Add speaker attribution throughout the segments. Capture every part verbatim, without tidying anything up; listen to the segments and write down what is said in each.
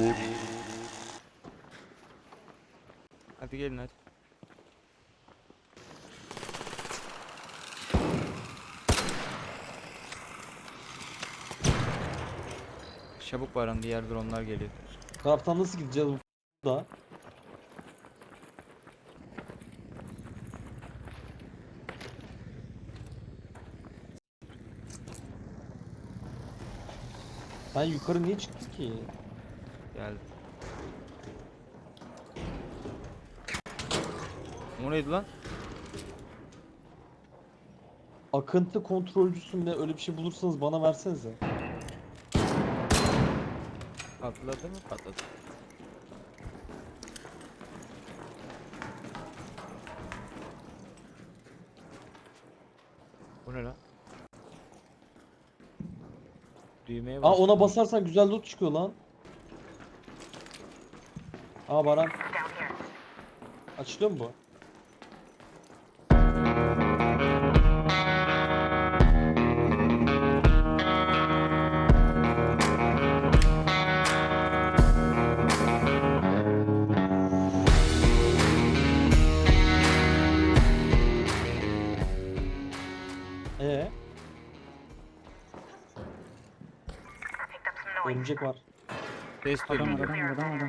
Speaker 1: Hadi gelin hadi. Çabuk Baran, diğer dronlar geliyor.
Speaker 2: Taraftan nasıl gideceğiz bu da? Ben yukarı niye çıktım ki?
Speaker 1: Geldi. O neydi lan?
Speaker 2: Akıntı kontrolcüsü mü ne, öyle bir şey bulursanız bana versenize.
Speaker 1: Patladı mı? Patladı. Bu ne lan? Düğmeye
Speaker 2: Aa,
Speaker 1: bas.
Speaker 2: ona basarsan güzel loot çıkıyor lan. Aa Baran. Açılıyor mu bu? Ee? Örümcek var.
Speaker 1: Ses
Speaker 3: Adam
Speaker 1: duydum.
Speaker 3: var, adam var, adam var, adam.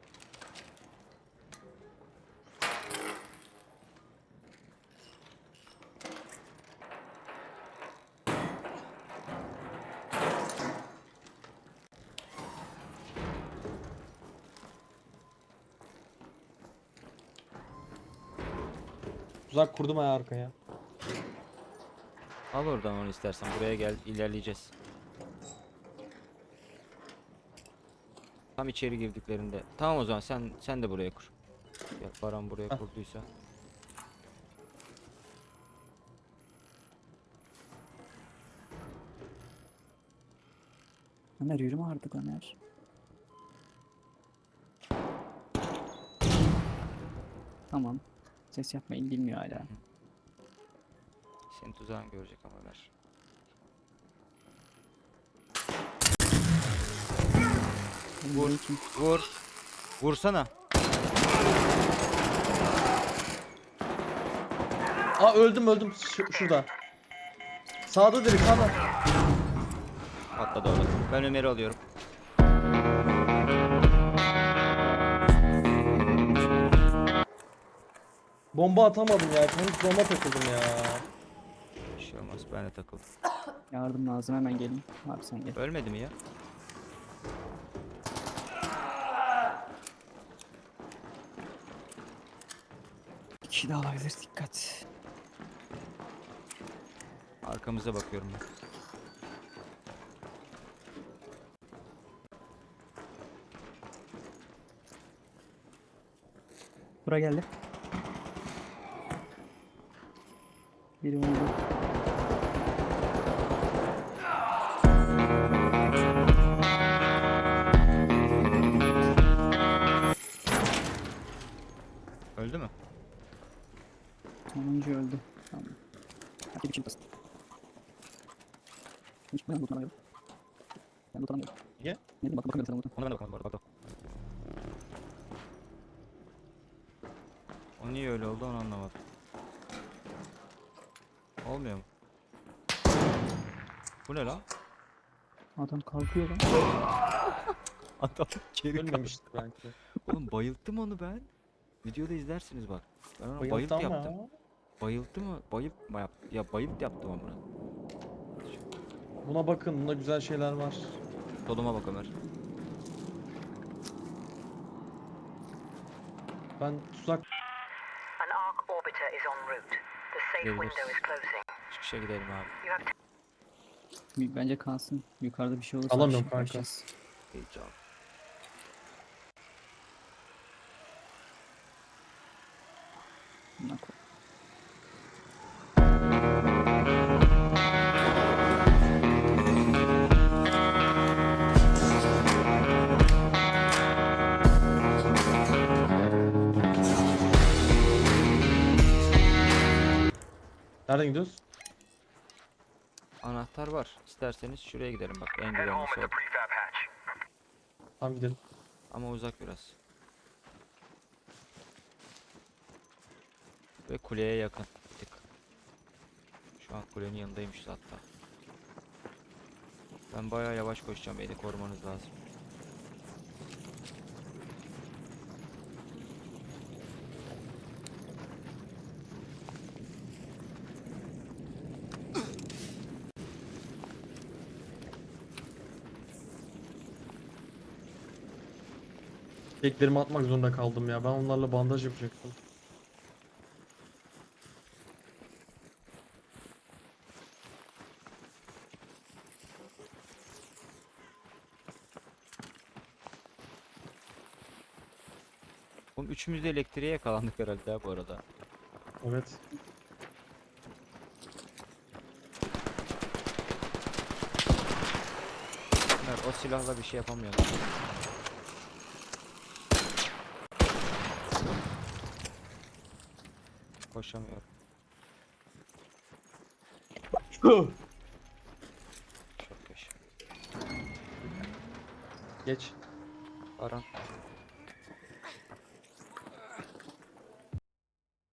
Speaker 2: Tuzak kurdum ayağı arkaya.
Speaker 1: Al oradan onu istersen. Buraya gel, ilerleyeceğiz. Tam içeri girdiklerinde. Tamam, o zaman sen sen de buraya kur. Ya Baran buraya
Speaker 2: Heh.
Speaker 1: kurduysa.
Speaker 3: Ömer yürüme artık Ömer. Tamam. Ses yapmayı bilmiyor hala.
Speaker 1: Senin tuzağını görecek ama ver.
Speaker 3: Vur.
Speaker 1: Vur. Vur. Vursana.
Speaker 2: Aa, öldüm öldüm Ş- şurada. Sağda direkt sağda.
Speaker 1: Patladı orada. Ben Ömer'i alıyorum.
Speaker 2: Bomba atamadım ya. Henüz bomba takıldım ya.
Speaker 1: Bir şey olmaz, ben de takıldım.
Speaker 3: Yardım lazım, hemen gelin. Abi sen gel.
Speaker 1: Ölmedi mi ya?
Speaker 3: Bir kişi daha olabilir, dikkat.
Speaker 1: Arkamıza bakıyorum ben.
Speaker 3: Bura geldi. Biri vurdu.
Speaker 1: Öldü mü?
Speaker 3: Sonuncu öldü. Tamam. Hadi bir çift basın. Hiç ben lootlamıyorum. Ben lootlamıyorum.
Speaker 2: Niye?
Speaker 3: Ne bileyim, bak bakamıyorum sana loot'a.
Speaker 1: Ona ben de bakalım bu arada. Bak bak. O niye öyle oldu onu anlamadım. Olmuyor mu? Bu ne lan?
Speaker 3: Adam kalkıyor lan.
Speaker 1: Adam geri kalktı.
Speaker 2: Ölmemiştir belki.
Speaker 1: Oğlum bayılttım onu ben. Videoda izlersiniz bak. Ben ona bayılt
Speaker 2: Bayıldı ama.
Speaker 1: yaptım. Bayılttı mı? Bayılt mı yaptı? Ya bayılt yaptım ama.
Speaker 2: Buna bakın, bunda güzel şeyler var.
Speaker 1: Soluma bak Ömer.
Speaker 2: Ben tuzak
Speaker 4: An arc orbiter is en route. The safe
Speaker 1: Gidebiliriz.
Speaker 4: window is closing.
Speaker 1: Çıkışa gidelim abi.
Speaker 4: You have
Speaker 3: Bence kalsın. Yukarıda bir şey olursa
Speaker 2: Alamıyorum
Speaker 3: aşağı
Speaker 2: kanka.
Speaker 3: kaçacağız.
Speaker 1: Heyecan.
Speaker 3: Bundan kork-
Speaker 2: nereden gidiyoruz?
Speaker 1: Anahtar var. İsterseniz şuraya gidelim bak. En güvenlisi o.
Speaker 2: Tamam gidelim.
Speaker 1: ama uzak biraz. Ve kuleye yakın bir tık. Şu an kulenin yanındaymış hatta. Ben bayağı yavaş koşacağım. Beni korumanız lazım.
Speaker 2: Keklerimi atmak zorunda kaldım ya. Ben onlarla bandaj yapacaktım.
Speaker 1: Oğlum üçümüz de elektriğe yakalandık herhalde ya bu arada.
Speaker 2: Evet.
Speaker 1: Evet, o silahla bir şey yapamıyorum. Koşamıyorum. Çok yaşa.
Speaker 2: Geç.
Speaker 1: Baran.